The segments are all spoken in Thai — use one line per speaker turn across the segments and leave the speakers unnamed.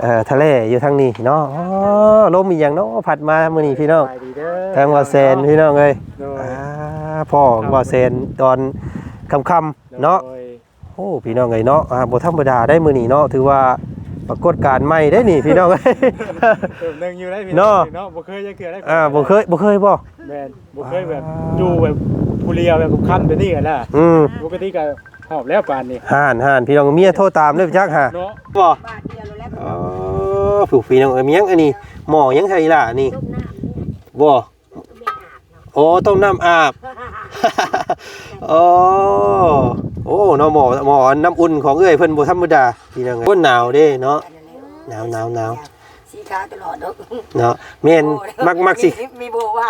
ทะเลอยู่ทางนี้เนาะอ๋อลมอีหยังเนาะพัดมามื้อนี้พี่น้องทางว่าแซนพี่น้องเอ้ยพ่อว่าแซนตอนค่ำๆเนาะโอ้พี่น้องเอ้ยเนาะบ่ธรรมดาได้มื้อนี้เนาะถือว่าปรากฏการณ์ใหม่ได้นี่พี่น้องเอ้ย
นึงอยู่ได้พี่น้องเนาะบ่เคยจะเกิดได้
บ่เคยบ่
แม่นบ่เคยแบบอยู่แบบผู้เลียวแบบค่ำแบบนี้กันล่ะปกติก็หอบแล้วปานนี้
ห่านพี่น้องเมียโทรตามเด้อจักหา
เนาะ
บ่อ๋อผู้พี่น้องเอ้ยมีหยังอันนี้หม้อยังไงล่ะนี่บ่โอ้ต้มน้ำอาบโอ้เนาะหม้อน้ำอุ่นของเอ้ยเพิ่นบ่ธรรมดาพี่น้องเอ้ยหนาวเด้เนาะหนาว
สีขาตลอด
เนาะแม่นมักสิ
มีโบว่า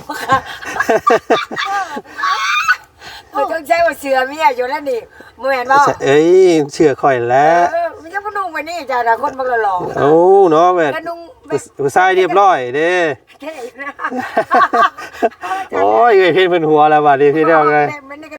ต้องใช้ว่าเสือเมียอยู่แล้วนี่บ่แม่นบ่
เอ้ยเชื่อข่อยแล้ว
มันจะบ่นุ่งไปนี่จ้ะคนบ่หล่อ
โอ้เนาะแบบผู้ชายเรียบร้อยเด้โอ้ยเอ้ยเพิ่นหัวแล้วบัดนี้พี่น้องเอ้ย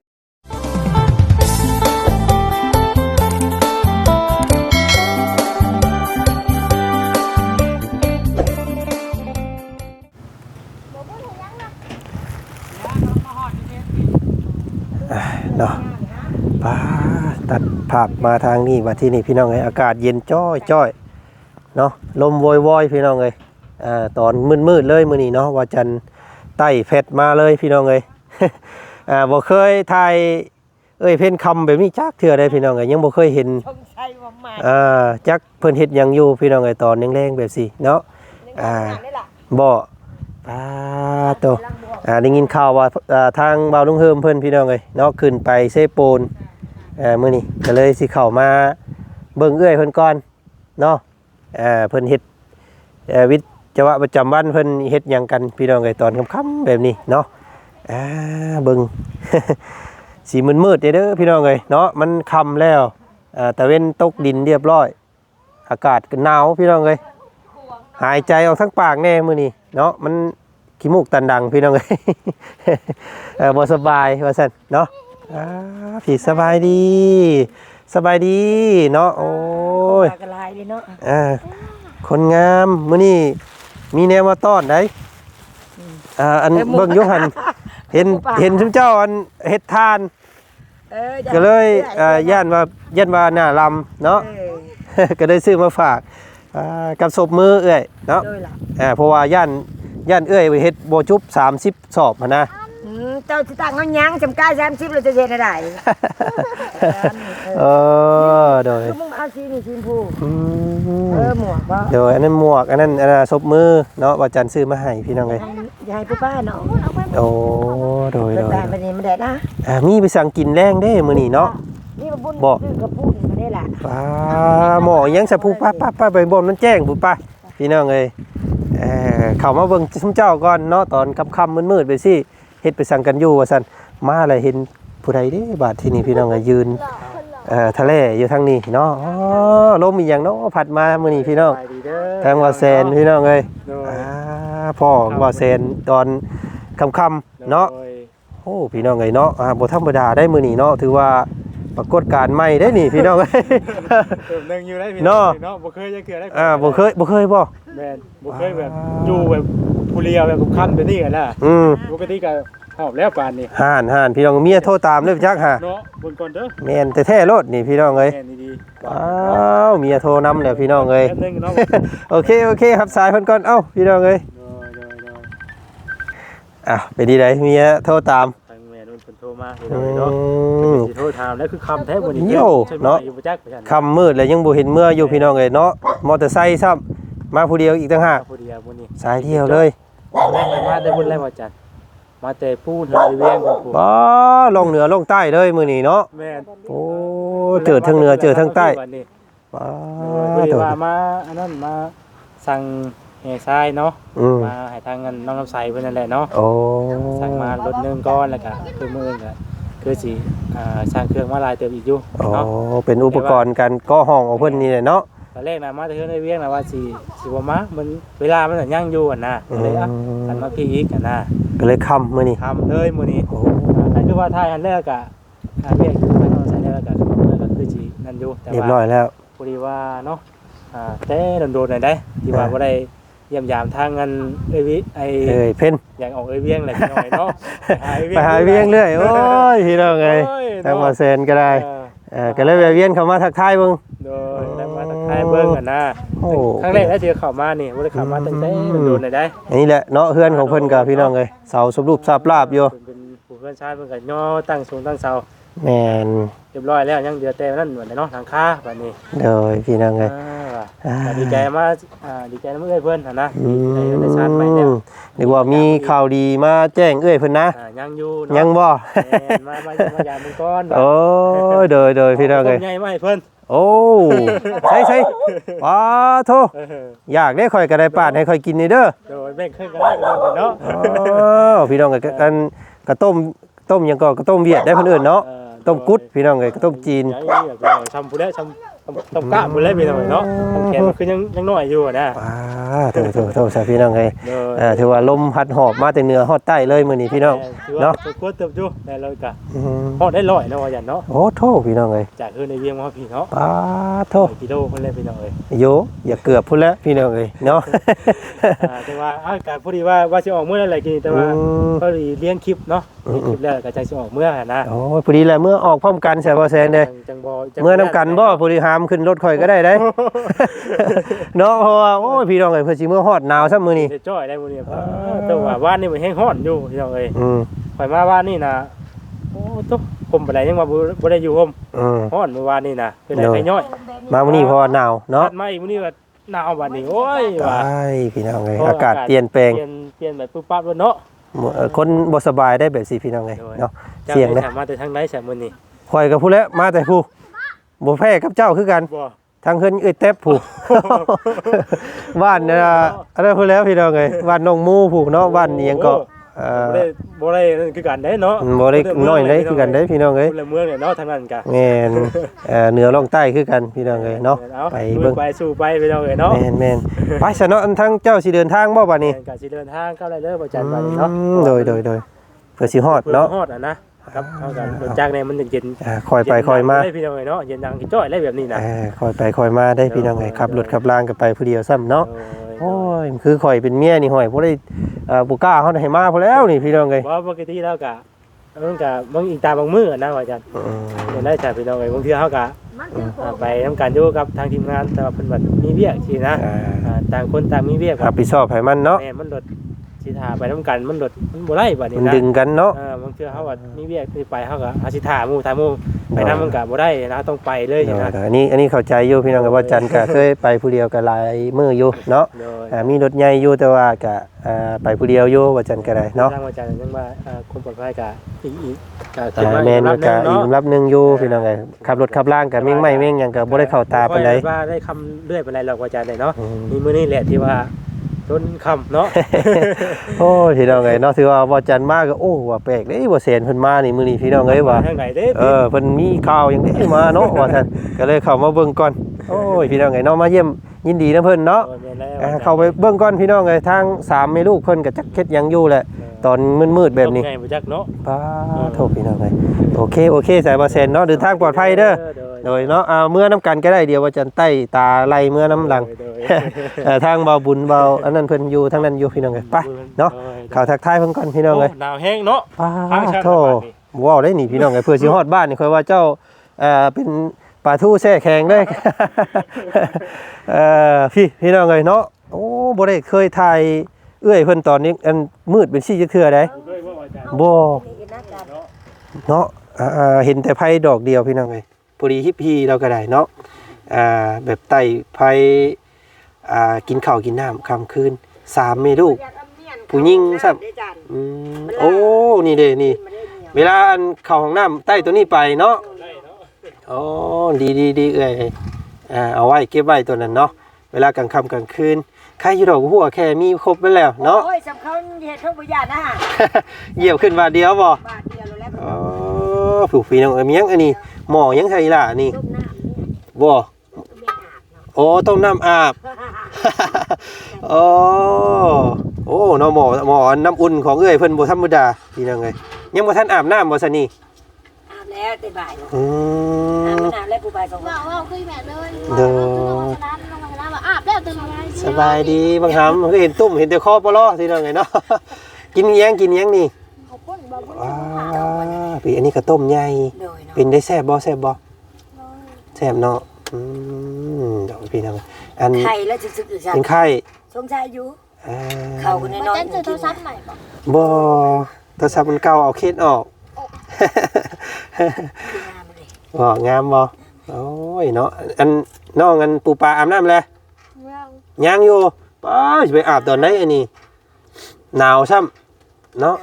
เนาะป้าตัดภาพมาทางนี้มาที่นี่พี่น้องเอ้ยอากาศเย็นจ้อยเนาะลมวอยพี่น้องเอ้ยตอนมืดเลยมื้อนี้เนาะว่าจันไต่เพชรมาเลยพี่น้องเอ้ยบ่เคยถ่ายเพิ่นคำแบบนี้จักเทื่อใดพี่น้องเอ้ยยังบ่เคยเห็นจักเพิ่นเฮ็ดหยังอยู่พี่น้องเอ้ยตอนแรงๆแบบสิเนาะบ่ป้าโตได้ยินข่าวว่าทางบ่าวลุงเฮิมเพิ่นพี่น้องเอ้ยเนาะขึ้นไปเซโปนมื้อนี้ก็เลยสิเข้ามาเบิ่งเอื้อยเพิ่นก่อนเนาะเพิ่นเฮ็ดวิจวะประจำวันเพิ่นเฮ็ดหยังกันพี่น้องเอ้ยตอนค่ำๆแบบนี้เนาะเบิ่ง สีมืดๆเด้อพี่น้องเอ้ยเนาะมันค่ำแล้วตะเว้นตกดินเรียบร้อยอากาศก็หนาวพี่น้องเอ้ยหายใจออกทั้งปากแน่มื้อนี้เนาะมันขี้มูกตันดังพี่น้องเอ้ย บ่สบายว่าซั่นเนาะพี่สบายดีเนาะโอ้ย
กระลายเลยเนาะ
คนงามมื้อนี้มีแนวมาต้อนได้อันเบิ่งอยู่หั่นเห็นซุมเจ้าอันเฮ็ดทานก็เลยย่านว่าหน้าลำเนาะก็ได้ซื้อมาฝากกับศพมือเอ้ยเนาะเพราะว่าย่านเอ้ยเฮ็ดบ่จุบ30สอบหั่นนะ
เจ้าสิตั้งเฮายังจำกาย30แล้วจะเฮ็ดได้
โดย
มึงเอาสีนี่สีชมพูหมวกบ่
โดยอันนั้นหมวกอันนั้นศพมือเนาะว่าจันซื้อมาให้พี่น้องเอ้ย
อย่าให้ป้าเนาะ
โอ้โดย
บัดนี้มันได้นะ
มีไปสั่งกินแรงเด้มื้อนี้เนาะ
นี่บ่บุญซื้อกระปุกมาได้ล่ะ
หมอยังสะพูป้าไปบ่มันแจ้งพุ่นป้าพี่น้องเอ้ยเข้ามาเบิ่งซุมเจ้าก่อนเนาะตอนค่ำๆมืดๆไปสิเฮ็ดไปสั่งกันอยู่ว่าซั่นมาอะไรเห็นผู้ใดเด้บาดที่นี่พี่น้องยืนทะเลอยู่ทางนี้เนาะอ๋อลมอีหยังเนาะพัดมามื้อนี้พี่น้องทางว่าแซนพี่น้องเอ้ยพ่อว่าแซนตอนค่ำๆเนาะโอ้พี่น้องเอ้ยเนาะบ่ธรรมดาได้มื้อนี้เนาะถือว่าปรากฏการณ์ใหม่ได้นี่พี่น้องเอ้ย
นึงอยู่ได้พี่น้องเนาะบ่เคยจะเกิดได้
บ่เคยบ่
แม่นบ่เคยแบบอยู่แบบผู้เลียวแบบค่ำแบบนี้กันล่ะปกติก็หอบแล้วปานนี้
ห่านพี่น้องเมียโทรตามเด้อจักหา
เนาะเบิ่งก่อนเด้อ
แม่นแท้ๆโลดนี่พี่น้องเอ้ย
แม่นดี
เมียโทรนำแล้วพี่น้องเอ้ยโอเคครับสายเพิ่นก่อนพี่น้องเอ้ยเป็นดีไดเมียโทรตาม
ทางแม่นุ่นเพิ่นโทรมาพี่น้องเนาะสิโทรถามแล้วคือค่ำแท้บ่นี่
เนาะค่ำมืดแล้วยังบ่เห็นเมื่ออยู่พี่น้องเอ้ยเนาะมอเตอร์ไซค์ซ้ำมาผู้เดียวอีกต่างหาก
ผู้เดียวมื้อนี้
สายเดียวเลย
มาแต่พุ่นแล้วว่าจันมาแต่พูดเลยเวียงของผม
ลงเหนือลงใต้เลยมื้อนี้เนาะ
แม่น
โอ้เจอทั้งเหนือเจอทั้งใต้
ว่ามาอันนั้นมาสั่งแห่ทรายเนาะมาให้ทางเงินน้องน้ำใสเพิ่นนั่นแหละเนาะสั่งมารถนึงก้อนแล้วก็คือมื้อก็คือสิสร้างเครื่องมาลายเติมอีกอยู่
เนาะเป็นอุปกรณ์การก่อห้องของเพิ่นนี่แหละเนาะ
ตอนแรกน่ะมาแต่เฮือนได้เวียงน่ะว่าสิบ่มามันเวลามันยังอยู่อ่ะนะเลยกันมาพี่อีกอ่ะนะ
ก็เลยค่ำมื้อนี้
ค่ำเลยมื้อนี้นั่นคือว่าทายอันแรกอ่ะเวียงทางน้องใสแล้วก็คือสินั่นอยู่
เรียบร้อยแล้ว
พอดีว่าเนาะแต่โดนๆหน่อยได้ที่ว่าบ่ได้เยี่ยมยามทางงานเอ้ยวิไอ้
เพิ่น
อยากออกเอ้ยเวียงแหละพี่น้องเนาะ
ไปหาเวียงเรื่อยโอ้ยพี่น้องเอ้ยทางมาเซนก็ได้ก็เลยแวะเวียนเข้ามาทักทายเบิ่ง
โดยได้มาทักทายเบิ่งกันนะครั้งแรกได้เจอเข้ามานี่บ่ได้เข้ามาตั้งแต่โดนๆหน่อยได้
อันนี้แหละเนาะเฮือนของเพิ่นกับพี่น้องเอ้ยเสาสมรูปทราบลาบอยู่
เป็นผู้เพื่อนชาติเพิ่นก็ย่อตั้งสูงตั้งเสา
แม่น
เรียบร้อยแล้วยังเหลือแต่นั่นเหมือนเนาะทางค้าบัดนี้
โดยพี่น้องเอ้ย
ดีใจมากดีใจนำเอ้ยเพิ่นนะดีใจได้ชาติใหม่แล้ว
นึกว่ามีข่าวดีมาแจ้งเอ้ยเพิ่นนะ
ยังอยู่
ยังบ่
มายามมึงก่อน
โอ้ยโดยพี่น้องเอ้ย
ใหญ่มาให้เพิ่น
โอ้ใช่ว้าโธ่อยากได้ข่อยก็ได้ปาดให้ข่อยกินนี่เด้อ
โดยแบ่งครึ่งกันได้เนาะ
พี่น้องเอ้ยกันกระต้มหยังก็กระต้มเวียดได้เพิ่นเอิ้นเนาะต้มกุดพี่น้องเอ้ยกระต้มจีน
ชำผู้แล้วชำกะผู้แล้วพี่น้องเนาะทำแขนคือยังน้อยอยู่นะ
โธ่ซะพี่น้องเอ้ยถือว่าลมพัดหอบมาแต่เหนือฮอดใต้เลยมื้อนี้พี่น้องเนาะ
กดเติบอยู่ได้เลยกะฮอดได้100เนาะว่าหยันเนาะ
โอ้โธ่พี่น้องเอ้ย
จากคือในเวียงมาพี่เนาะ
โธ่
กิโลเพิ่นเลยพี่น้องเอ้ย
โยอย่าเกือบพุ่นแล้วพี่น้องเอ้ยเนาะ
แต่ว่าอากาศพอดีว่าสิออกมื้ออะไรกินแต่ว่าพอดีเลี้ยงคลิปเนาะคลิปแล้วก็จังสิออกมื้อนะ
โอ้ยพอดีแหละเมื่อออกพร้อมกันใช่บ่แซนเด้
จังบ่
เมื่อนํกันบ่พอดีหามขึ้นรถข่อยก็ได้เด้ เนาะเพราะว่าโอ้ยพี่น้องเอ้ยเพิ่นสิมื้อฮอดหนาวซะมื้อนี้
ได้จ้อยได้มื้อนี้แต่ว่าบ้านนี่มันแห้งร้อนอยู่พี่น้องเอ้ย ข่อยมาบ้านนี่นะโอ้ตุ๊กผมไปไหนยังมาบ่ได้อยู่ผมฮ้อนเมื่อวานนี่นะเป็นไงย่อย
มามื้อนี้เพราะว่าหนาวเนาะ
มาอีกมื้อนี้ว่าหนาวบัดนี้โอ้ยว่า
ใช่พี่น้องเอ้ยอากาศเปลี่ยนแปลง
เปลี่ยนแบบปุ๊บปั๊บแล้วเนาะ
คนบ่สบายได้แบบสิพี่น้องเอ้ยเนาะเสี่ยงเด้
มาแต่ทางไหนซะมื้อนี้
ข่อยก็พูดแล้วมาแต่ผู้บ่แพ้กับเจ้าคือกัน
บ่
ทางเพิ่นเอ้ยแต๊บผู้ บ้านอะไรพูดแล้วพี่น้องเอ้ยบ้านน้องมูผู้เนาะบ้านอีหยังก็
บ่ได้คือกันได้เนาะ
บ่ได้น้อยได้คือกันได้พี่น้องเอ้ย
เมืองเนี่ยเนาะทางนั้นกะ
แม่นเหนือล่องใต้คือกันพี่น้องเอ้ยเนาะไปเบิ่ง
ไปสู่ไปพี่น้องเอ้ยเนาะ
แม่นไปซะเนาะอันทั้งเจ้าสิเดินทางบ่บัดนี้
ก็สิเดินทางเข้าได้เลยบ่จันบัดนี้เนาะ
โดยเพื่อสิฮอดเนาะ
ฮอดนะครับเฮากันรถจักรเนี่ยมันเย็น
คอยไปคอยมา
ได้พี่น้องเอ้ยเนาะเย็นดังกี่จ้อยได้แบบนี้นะ
คอยไปคอยมาได้พี่น้องเอ้ยขับรถขับรางกันไปผู้เดียวซ้ำเนาะโอ้ยคือข่อยเป็นเมียนี่ห่อยบ่ได้บ่กล้าเฮาให้มาพอแล้วนี่พี่น้องเอ้ย
บ่ปกติแล้วก็มันก็บางอีกตาบางมื้อนะว่าจันเห็นได้จากพี่น้องเอ้ยบางเทื่อเฮาก็ไปทำการอยู่กับทางทีมงานแต่ว่าเพิ่นแบบมีเวียกสินะต่างคนต่างมีเวียก
รับผิดชอบให้มันเนาะ
แม่มันรถสิท่าไปนำกันมันรถมันบ่ได้บัดนี้
มัน
นะ
ดึงกันเนาะ
บางเทื่อเฮาว่ามีเวียกสิไปเฮาก็หาสิท่าหมู่ไปนำมันก็บ่ได้นะต้องไปเลยนะ
อันนี้เข้าใจอยู่พี่น้องก็ว่าจันก็เคยไปผู้เดียวก็หลายมื้ออยู่เนาะมีรถใหญ่อยู่แต่ว่าก็ไปผู้เดียวอยู่ว่าจันก็ได้เนาะ
ทางว่าจันยังว่าความปลอดภัยก็อีกก็
แม่นว่าก็อีกลำดับนึงอยู่พี่น้องเอ้ยขับรถขับล่างก็เม่งไม่เม่งหยังก็บ่ได้เข้าตาปานใด
ว่าได้คำเรื่อยปานใดหรอกว่าจันได้เนาะมีมื้อนี้แหละที่ว่าต้นคำเนาะ
โอ้พี่น้องเอ้ยเนาะถือว่าบ่จันมาก็โอ้ว่าแปลกเด้บ่แสนเพิ่นมานี่มื้อนี้พี่น้องเอ้ยว่า
ทางไหนเด้
เพิ่นมีข่าวหยังได้มาเนาะว่าซั่นก็เลยเข้ามาเบิ่งก่อนโอ้ยพี่น้องเอ้ยเนาะมาเยี่ยมยินดีนะเพิ่นเนาะเข้าไปเบิ่งก่อนพี่น้องเอ้ยทาง3แม่ลูกเพิ่นก็จักเฮ็ดหยังอยู่แหละตอนมืดๆแบบนี้
ไงบ่จักเนาะ
ป้าโทษพี่น้องเอ้ยโอเคสายบ่แสนเนาะเดินทางปลอดภัยเด้อโดยเนาะเมื่อน้ำกันก็ได้เดี๋ยวว่าจันใต้ตาไล่เมื่อน้ำหลัง ทางเบาบุญเบาอันนั้นเพิ่นอยู่ทางนั้นอยู่พี่น้องเอ้ยไปเนาะข่าวทักทายเพิ่นก่อนพี่น้องเอ้ย
หนาวแห้งเนาะ
ป้าโทว้าวได้นี่พี่น้องเอ้ยเพื่อสิฮอดบ้านนี่ค่อยว่าเจ้าเป็นปลาทูแช่แข็งเด้ พี่น้องเอ้ยเนาะโอ้บ่ได้เคยถ่ายเอื้อยเพิ่นตอนนี้อันมืดเป็นซี่จักเทื่อได้บ่เนาะเห็นแต่ไผดอกเดียวพี่น้องเอ้ยพอดีฮิปพีเราก็ได้เนาะแบบไต่ไผกินข้าวกินน้ำค่ำคืน3มีลูกผู้หญิงซ้ำโอ้นี่เด้นี่เวลาอันเข้าห้องน้ำใต้ตัวนี้ไปเนาะอ๋อดีเอ้ยเอาไว้เก็บไว้ตัวนั้นเนาะเวลากลางค่ำกลางคืนใครอยู่ดอกหัวแค่มีครบไปแล้วเนาะ
โอ้ยสำคัญเฮ็ดทุกอย่างนะฮะ
เหยียบขึ้นบาทเดียวบ่
บาทเดียวแล้ว
อ๋อผูกฟีน้องเอ้ยมีหยังอันนี้หม้อยังไทยล่ะนี่
ต้มน้ำ
บ่โอ้ต้มน้ำอาบ โอ้เนาะหม้อน้ำอุ่นของเอ้ยเพิ่นบ่ธรรมดาพี่น้องเอ้ยยังบ่ทันอาบน้ำบ่ซะนี่
อาบแล้วแต่บ่าย
อืม
อาบแล้วผู้บ่ายก็
ว่าคุยแบบเลย
เด้อ
ร้านลงมาแล้ว
สบายดีบางคำมันก็เห็นตุ่มเห็นแต่คอปลอที่นั่นไงเนาะ กินแยงนี่ว้าปีอันนี้ก็ต้มใหญ่เป็นได้แซ่บบ่แซ่บเนาะเดี๋ยวพี่น้องอัน
ไข่แล้วสึกๆอยู่ซั่น
เป็นไข้
สงสัยอยู่เข้ากันน้อยๆกินโทรศัพท์ใหม่บ่
บ่โทรศัพท์มันเก่าเอาเคสออก บ่งามบ่โอ้ยเนาะอันน้องอันปูปลาอาบน้ำแล้วยังอยู่ป้าจะไปอาบตอนไหนอันนี้หนาวซ้ำเนาะ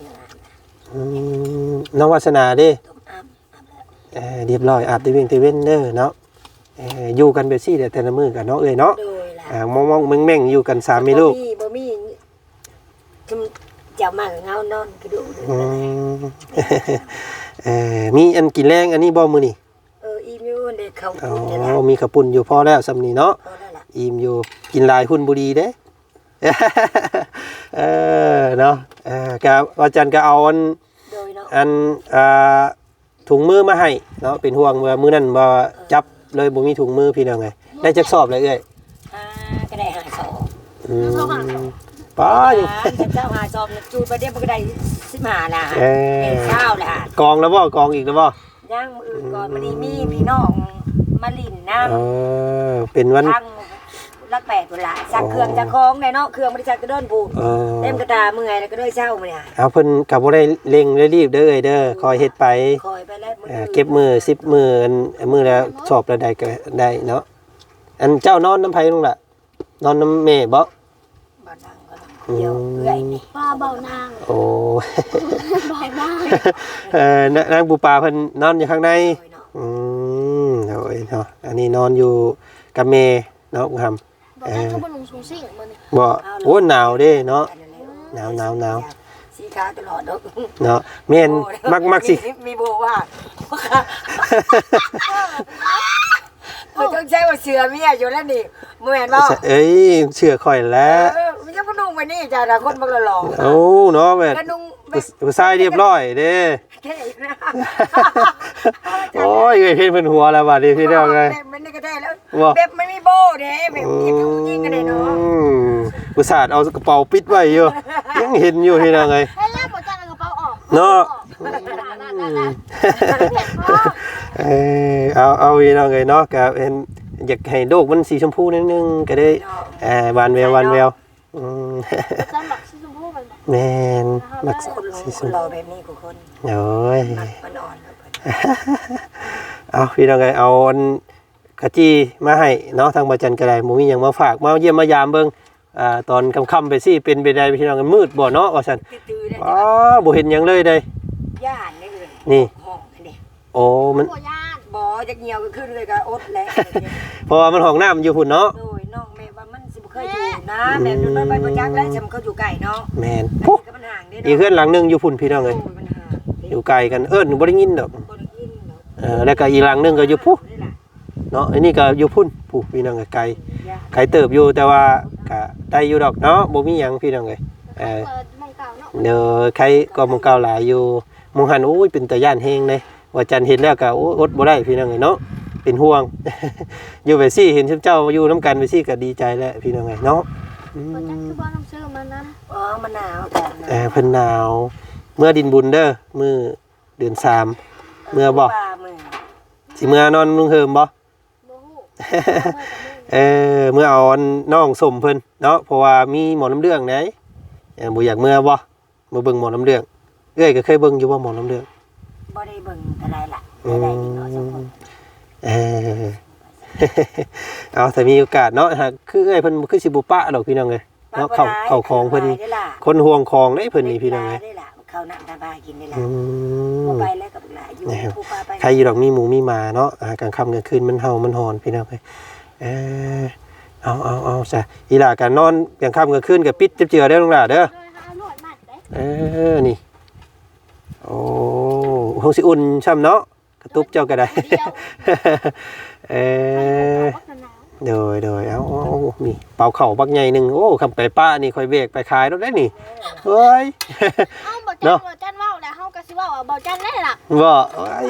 น้องวาสนาเด้เรียบร้อยอาบตะเวนเด้อเนาะอยู่กันแบบซี่แต่ละมื้อกันเนาะเนาะมองๆแม่งๆอยู่กัน3มีลูก
บ่มีเจ้ามากเงานอนกระดูก
มีอันกินแรงอันนี้บ่มื้อนี่
อีมิวเด็กเขา
มีกระปุ่นอยู่พอแล้วสำนี้เนาะอิ่มอยู่กินลายหุ้นบุรีเด้เนาะกะอาจารย์ก็เอาอันถุงมือมาให้เนาะเป็นห่วงว่ามื้อนั้นบ่จับเลยบ่มีถุงมือพี่น้องไงได้จักสอบเลยเอ้ย
ก็ได้5สอบ
ป้า
เจ้า5สอบจูดไปเดี๋ยวมันก็ได้15น่ะเช้าล่ะ
กองแล้วบ่กองอีกแล้วบ่
ยังอื่นก่อนมันมีพี่น้องมาลินน้
ำเป็นวัน
รักแปดเวลาสักเครื่องจะคล้องในเนาะเครื่องบริษัทกระโดนปูเต็มกระตาเมื่อยแล้วก็ด้วยเช้ามาเนี่ย
เอาเพิ่นกับบ่ได้เร่งรีบเด้อเด้อคอยเฮ็ดไป
คอยไปแล้ว
เก็บมือ10มือมือแล้วสอบแล้วได้ก็ได้เนาะอันเจ้านอนน้ำไผลุงล่ะนอนน้ำแม่บ่
เดี๋ยวเอื้อยนี่
ป้าเบานาง
โอ้นางปูปลาเพิ่นนอนอยู่ข้างในโอ้ยเนาะอันนี้นอนอยู่กับแม่เนาะคุณทำบ่โอ้หนาวเด้เนาะหนาว
สีขาตลอดเ
นาะแม่นมักสิ
มีโบว่าต้องใช้ว่าเสือเมียอยู่แล้วนี่เมื่อเห็นบ่
เอ้ยเชื่อข่อยแล้ว
มันจะนุ่งไปนี่จ้าคนบักหล่อ
โอ้เนาะแบบผู้ชายเรียบร้อยเด้โอ้ยเพิ่นหัวแล้วบัดนี้พี่น้องเอ้ย
มันนี่ก็ได้แล้วแบบไม่มีโบเด้แบบยิงกันได้เนาะ
อุตส่าห์เอากระเป๋าปิดไว้อยู่ยังเห็นอยู่พี่น้องเอ้ย
ให้แล้วบ่จังกระเป๋าออก
เนาะเอาพี่น้องเอ้ยเนาะก็เป็นอยากให้โลกมันสีชมพูนิดนึงก็ได้หวานแววแม่นมัก
สีชมพูแบบนี้กูคน
โอ้ย
มันอ่อน
เอาพี่น้องเอ้ยเอากะจี้มาให้เนาะทางบ่จันก็ได้บ่มีหยังมาฝากมาเยี่ยมมายามเบิ่งตอนค่ำๆไปสิเป็นไปได้พี่น้องกันมืดบ่เนาะว่าซั่นอ๋อบ่เห็นหยังเลยเด้
ย่านนี่เลย
นี่โอ้มัน
บ่จักเหี่ยวก็ขึ้นเลยก็อดแล้ว
เพราะว่ามันห้องน้ำอยู่พุ่นเนาะ
โดยน้องแม่ว่ามันสิบ่เคยอยู่นะแม่ดูน้อยไปบ่จักแล้วจำเขาอยู่ไกลเนาะ
แม่นปุ๊บอีเฮือนหลังนึงอยู่พุ่นพี่น้องเอ้ยอยู่ไกลกันบ่ได้ยินดอกแล้วก็อีหลังนึงก็อยู่พุเนาะอันนี้ก็อยู่พุ่นผู้พี่น้องไกลเติบอยู่แต่ว่าก็ได้อยู่ดอกเนาะบ่มีหยังพี่น้องเอ้ยเด้อใครก็มองเก่าหลายอยู่มองหันโอ้ยเป็นตาย่านแฮงเลยว่าจันเห็นแล้วก็อดบ่ได้พี่น้องเอ้ยเนาะเป็นห่วงอยู่ไปซี่เห็นเจ้าอยู่น้ำกันไปซี่ก็ดีใจแล้วพี่น้องเอ้ยเนาะ
บ่จักคือบ่ต้องซื้อมานำ
มันหนาวแต่
เพิ่นหนาวเมื่อดินบุญเด้อมื้อเดือน3เมื่อบ่สิเมื่อนอนลุงเฮิมบ่เมื่อเอาน้องสมเพิ่นเนาะเพราะว่ามีหมอน้ำเรื่องไหนบ่อยากเมื่อบ่มาเบิ่งหมอน้ำเรื่องเอ้ยก็เคยเบิ่งอยู่ว่าหมอน้ำเรื่อง
บ่ได้เบิ่งอะไรล่ะได้กินเนาะสมคน
เอาแต่มีโอกาสเนาะคือเอ้ยเพิ่นคือสิบ่ปะดอกพี่น้องเอ้ยเนาะเข้าของเพิ่นคนห่วงของเด้เพิ่นนี่พี่น้องเอ้ย
เข้าน้ำตาบากินนี่ล่ะบ่ไปแล้วกับหลายอยู่ผู้ปลาไป
ใครอยู่ดอกมีหมูมีหมาเนาะกลางค่ำกลางคืนมันเห่ามันหอนพี่น้องเอ้ยเอาซะอีหล่าก็นอนกลางค่ำกลางคืนก็ปิดเจือได้ลงล่ะเด้อนี่โอ้คงสิอุ่นช่ำเนาะกระตุบเจ้าก็ได้โดยเอานี่เป่าเข่าบักใหญ่หนึ่งโอ้คำไปป้านี่คอยเบรกไปขายรถได้นี่เฮ้ย
เนาะจันว่าแล้วเฮาก็สิว่าเบาจันได้ล่ะ
บ่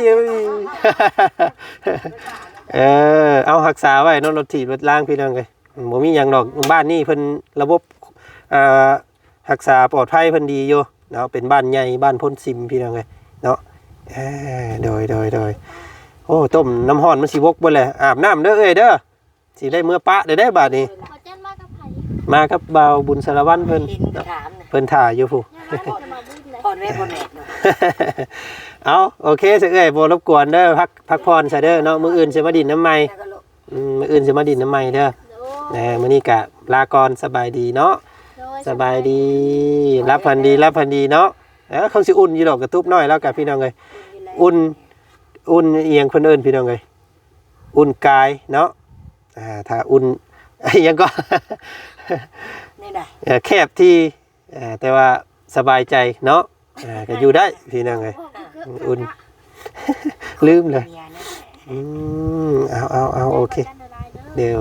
เอารักษาไว้เนาะรถถีบรถล่างพี่น้องเลยบ่มีหยังดอกบ้านนี้เพิ่นระบบอ่ารักษาปลอดภัยเพิ่นดีอยู่เนาะเป็นบ้านใหญ่บ้านพ้นซิมพี่น้องเอ้ยเนาะโดยโอ้ต้มน้ำร้อนมันสิวกเบิดแหละอาบน้ำเด้อเอ้ยเด้อสิได้เมื่อปะได้บาดนี้
บ่จันมากับไผ
มากับบ่าวบุญสารวัตรเพิ่น
ดินไปถามน่ะ
เพิ่นถ่ายอยู่ผู้
ยังมาจะมาบุญเลย
พ่อแม่บ่แม่เนาะ
เอาโอเคสิเอ้ยบ่รบกวนเด้อพักผ่อนซะเด้อเนาะมื้ออื่นสิมาดินน้ำใหม่
แล้วก็ลูก
มื้ออื่นสิมาดินน้ำใหม่เด้อ
โดย
มื้อนี้ก็ลาก่อนสบายดีเนาะ
โดย
สบายดีรับพันดีเนาะเขาสิอุ่นอยู่ดอกกระตุบน้อยแล้วกับพี่น้องเอ้ยอุ่นเอียงเพิ่นเอิ้นพี่น้องเอ้ยอุ่นกายเนาะถ้าอุ่นยังก็
นี่ได้
แคบที่แต่ว่าสบายใจเนาะก็อยู่ได้พี่น้องเอ้ยอุ่น ลืมเลย
เมียนั่นแหละ
เอาโอเคเดี๋ยว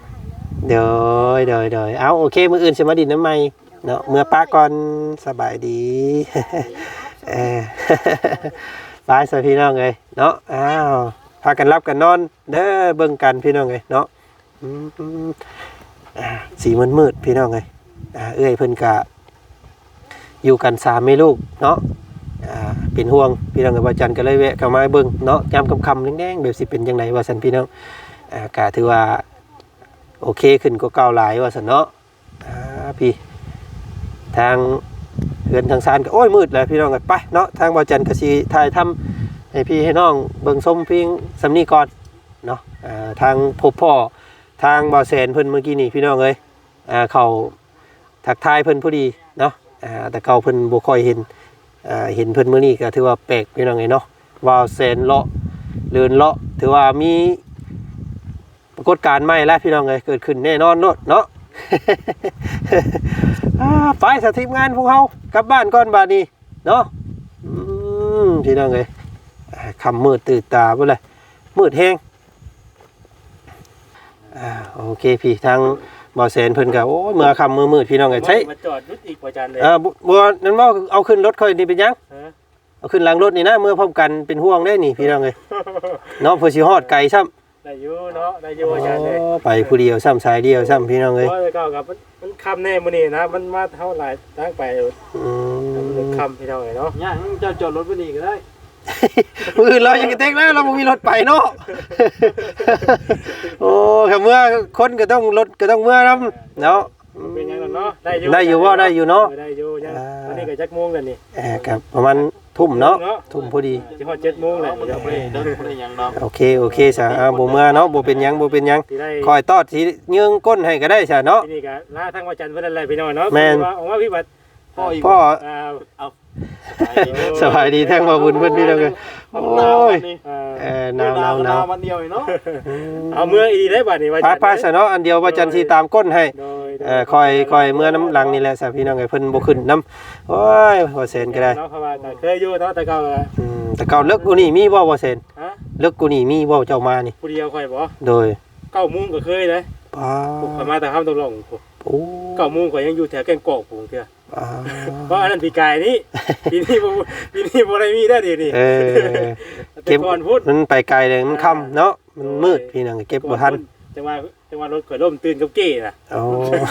เอาโอเคมื้ออื่นสิมาดินน้ำใหม่เนาะเมื่อป้าก่อนสบายดี ไปสพี่น้องเอ้ยเนาะอ้าวพากันรับกันนอนเด้อเบิ่งกันพี่น้องเอ้ยเนาะสีมืดพี่น้องเอ้ยเอ้ยเพิ่นกะอยู่กัน3แม่ลูกเนาะเป็นห่วงพี่น้องกับว่าจันก็เลยแวะเข้ามาเบิ่งเนาะยามค่ำๆแดงๆแบบสิเป็นจังไดว่าซั่นพี่น้องกะถือว่าโอเคขึ้นกว่าเก่าหลายว่าซั่นเนาะพี่ทางเฮือนทางซานก็โอ้ยมืดแล้วพี่น้องกันไปเนาะทางบ่าวจันก็สิถ่ายทำให้พี่ให้น้องเบิ่งส้มเพียงสำนี้ก่อนเนาะทางพบพ่อทางบ่าวแสนเพิ่นเมื่อกี้นี่พี่น้องเอ้ยเขาทักทายเพิ่นพอดีเนาะแต่เก่าเพิ่นบ่ค่อยเห็นเพิ่นมื้อนี้ก็ถือว่าแปลกพี่น้องเอ้ยเนาะบ่าวแสนเลาะเดินเลาะถือว่ามีปรากฏการณ์ใหม่แล้วพี่น้องเอ้ยเกิดขึ้นแน่นอนเนาะ ไปสทีมงานพวกเขากลับบ้านก่อนบาดนี้เนาะพี่น้องเอ้ยคำมืดตื่นตาไปเลยมืดแห้งโอเคพี่ทางบ่อแสนเพิ่นก็โอ้ยเมื่อคำมืดพี่น้องเอ้ยใช่
มาจอดรุดอีกว่าจันเลย
บัวนั่นว่าเอาขึ้นรถค่อยนี่เป็นยังเอาขึ้นหลังรถนี่นะเมื่อพร้อมกันเป็นห่วงได้นี่พี่น้องเอ้ยเนาะเพื่อสิฮอดไกลซ้ำ
ได้อยู่เนาะได้อยู่ว่าจันเลย
ไปผู้เดียวซ้ำสายเดียวซ้ำพี่น้องเอ้ย
เพราะเลยก็กับมันคำแน่มื้อนี้นะมันมาเท่าไหร่ตั้งไปมันคำพี่น้องเนาะ
ย่างจะจอดรถไปนี่ก็ได้
มือเรายังกระเตกแล้วเราไม่มีรถไปเนาะ โอ้ค่ะเมื่อคนก็ต้องรถก็ต้องเมื่อน้ำเนาะ
เป็นยังเนาะได้อยู่
ได้อยู่ว่าได้อยู่เนาะ
ได้อยู่ยังวันนี้ก็จักโมงแล้วนี่
กับประมาณทุ่มเนาะทุ่มพอดี
สิฮอด7โมงแล้ว
เดี๋ยวไปเดินไปยังดอก
โอเคซะบ่เมื่อเนาะบ่เป็นหยัง
สิได้
คอยตอดสิเยื้องก้นให้ก็ได้ซะเนาะ
ที่นี่ก็ลาทางว่าจันทร์เพิ่นนั่นแหละพี่น้องเนาะ
แม่น
ออกมาพี่บัด
พ่อ
เอา
สบายดีแท้งบ่บุญเพิ่นพี่น้องเอ้ยโอ้ยหนาว
วันเดียวเนาะ
เอาเมื่ออีได้บัดนี้ว่าจันทร์
ไปซะเนาะอันเดียวว่าจันทร์สิตามก้นให้
โดย
คอยเมื่อน้ำหลังนี่แหละสาพี่น้องไอ้เพิ่นบ่ขึ้นน้ำโอ้ยบ่เซนก็ได้
เนาะเพราะว่าก็เคยอยู่เนาะแต่ก็
แต่เก่าเลิกกูนี่มีบ่เซน
ฮะ
เลิกกูนี่มีบ่เจ้ามานี่
ผู้เดียวค่อยบ่
โดย
9โมงก็เคยเลย
ป้า
ผมเข้ามาแต่ห้ามตกลง
โอ้
9โมงก็ยังอยู่แถวแก่งกอกผมเถื่อ
ป้า
เพราะอันนั้นปีกายนี้ปีนี้บ่ได้มีได้ดีนี่
เก็บ
ก่อนพูด
มันไปไกลเลยมันค่ำเนาะมันมืดพี่น้องเก็บบ่ทัน
จังหวะรถข่อยล่มตื่นกับเก้น่ะ
โอ้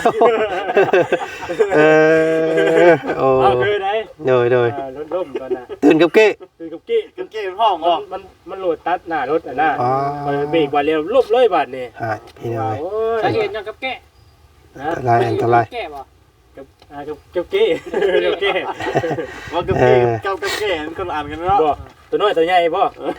โอ้
เอาคือได้
โดย
รถล่มก่อนน่ะ
ตื่นกับเก้
ตื่นกับเก้
กันเกมห้องอ๋อ
มันโหลดตัดหน้ารถอ่ะนะ
อ๋อ
เบรกว่าเร็วลบเลยบาดนี่
พี่น้อง
โอ้ย
สาเหตุยังกับแกะ
นะ
อันตราย
แกะบ่
กับเก้กับเก้
ว่ากับเกมเก้ากับแกะมันคนอ่านกันเนาะ
บ่ตัวน้อยตัวใหญ่บ่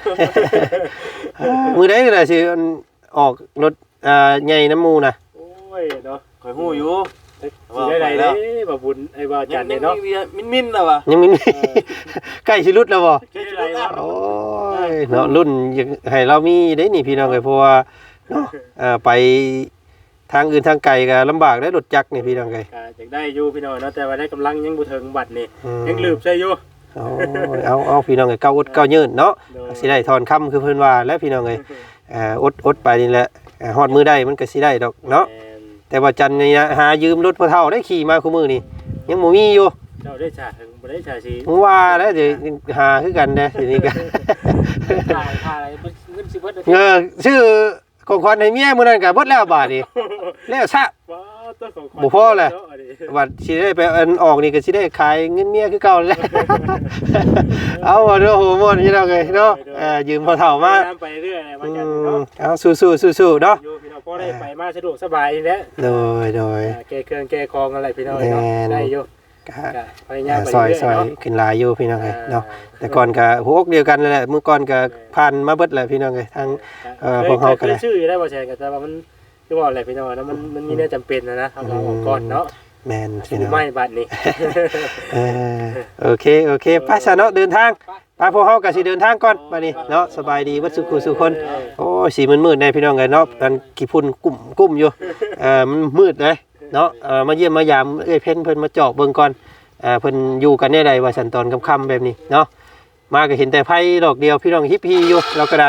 มื้อใดก็ได้สิออกรถใหญ่น้ำมูนะ
โอ้ยเนาะ
ข่อยฮู้อยู่
สิได้เด้บ่บุญไอ้บ่จันเนี่ยเนาะ
มินน่ะว่ะ
ยังมีใกล้สิรุดแล้วบ่
สิได้วะ
โอ้ยเนาะรุ่นให้เรามีได้นี่พี่น้องเอ้ยเพราะว่าเนาะไปทางอื่นทางไกลก็ลำบากได้รถจักรนี่พี่น้องเอ้ย
ก็อยากได้อยู่พี่น้องเนาะแต่ว่าได้กำลังยังบ่ถึงบัดนี่ยังลืมใช่อยู่
เอาพี่น้องเอ้ยเก้าอดเก้ายืนเนาะสิได้ถอนคำคือเพิ่นว่าแล้วพี่น้องเอ้ยอดไปนี่แหละฮอดมือได้มันก็สิได้ดอกเนาะแต่ว่าจันนี่หายืมรถพ่อเฒ่าได้ขี่มาคู่มือนี่ยังบ่มีอยู่
เจ้าได้ชาถึงบ่ได้ชาสิ
มึงว่าแล้วเดี๋ยวหาคือกันเด้อทีนี้ก็
ถ่ายอะไรเงินสิเบิด
ชื่อของขวัญให้เมียมื้อนั้นก็เบิดแล้วบาดนี้แล้วซะ
ว้าวตัวของ
บ่พอเลย บัดสิได้ไปอันออกนี่ก็สิได้ขายเงินเมียคือเก่าแหละ เอาว่าเด้อโหหมดนี่เราเลยเนาะยืมพ่อเฒ่ามา
ไปเรื่อยๆว่าจันเนาะ
เอาสู้ๆๆๆเนาะ
อยู่พี่น้องพอได้ไปมาสะดวกสบายแล้ว
โดย
แก้เครื่องแก้คองอะไรพี่น้องเนาะได้อยู่
ก็
พยายามไป
ซอย
เรื่อยๆเนาะ
ขึ้นหลายอยู่พี่น้องเอ้ยเนาะแต่ก่อนก็หัวอกเดียวกันนั่นแหละมื้อก่อนก็ผ่านมาเบิดแหละพี่น้องเอ้ยทางพวกเฮาก็ได้
ชื่ออยู่ได้บ่แชร์กันแต่ว่ามันคือว่าอะไรพี่น้องนะมันมีแน่จำเป็นนะเอาเราออกก่อนเนาะ
แม่นพี่น้อง
ไม่บัดนี้
โอเคไปซะเนาะเดินทางไปพวกเฮาก็สิเดินทางก่อนบัดนี้เนาะสบายดีเบิดสุขคนโอ้ยสีมืดๆแน่พี่น้องเอ้ยเนาะมันกี่พุ่นกุ้มอยู่มันมืดเลยเนาะมาเยี่ยมมายามเอ้ยเพิ่นมาเจาะเบิ่งก่อนเพิ่นอยู่กันแน่ใดว่าสันตอนค่ำๆแบบนี้เนาะมาก็เห็นแต่ไผดอกเดียวพี่น้องฮิปฮีอยู่เราก็ได้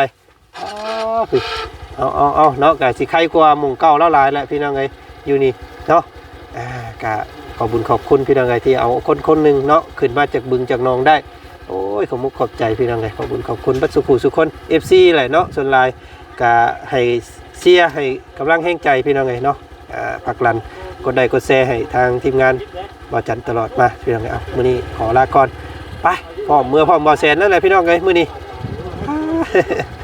เอาเนาะก็สิใครกว่าหมู่เก่าแล้วหลายแหละพี่น้องเอ้ยอยู่นี่เนาะก็ขอบคุญขอบคุณพี่น้องเอ้ยที่เอาคนหนึงเนาะขึ้นมาจากบึงจากหนองได้โอ้ยขอบใจพี่น้องเอ้ยขอบคุณบัดสุขสุขคน FC แหละเนาะส่วนหลายก็ให้เชียร์ให้กำลังแห่งใจพี่น้องเอ้ยเนาะผลักดันกดไลค์กดแชร์ให้ทางทีมงานบ่จันตลอดมาพี่น้องเอ้ยเอามื้อนี้ขอลาก่อนไปพร้อมบ่แซนแล้วแหละพี่น้องเอ้ยมื้อนี้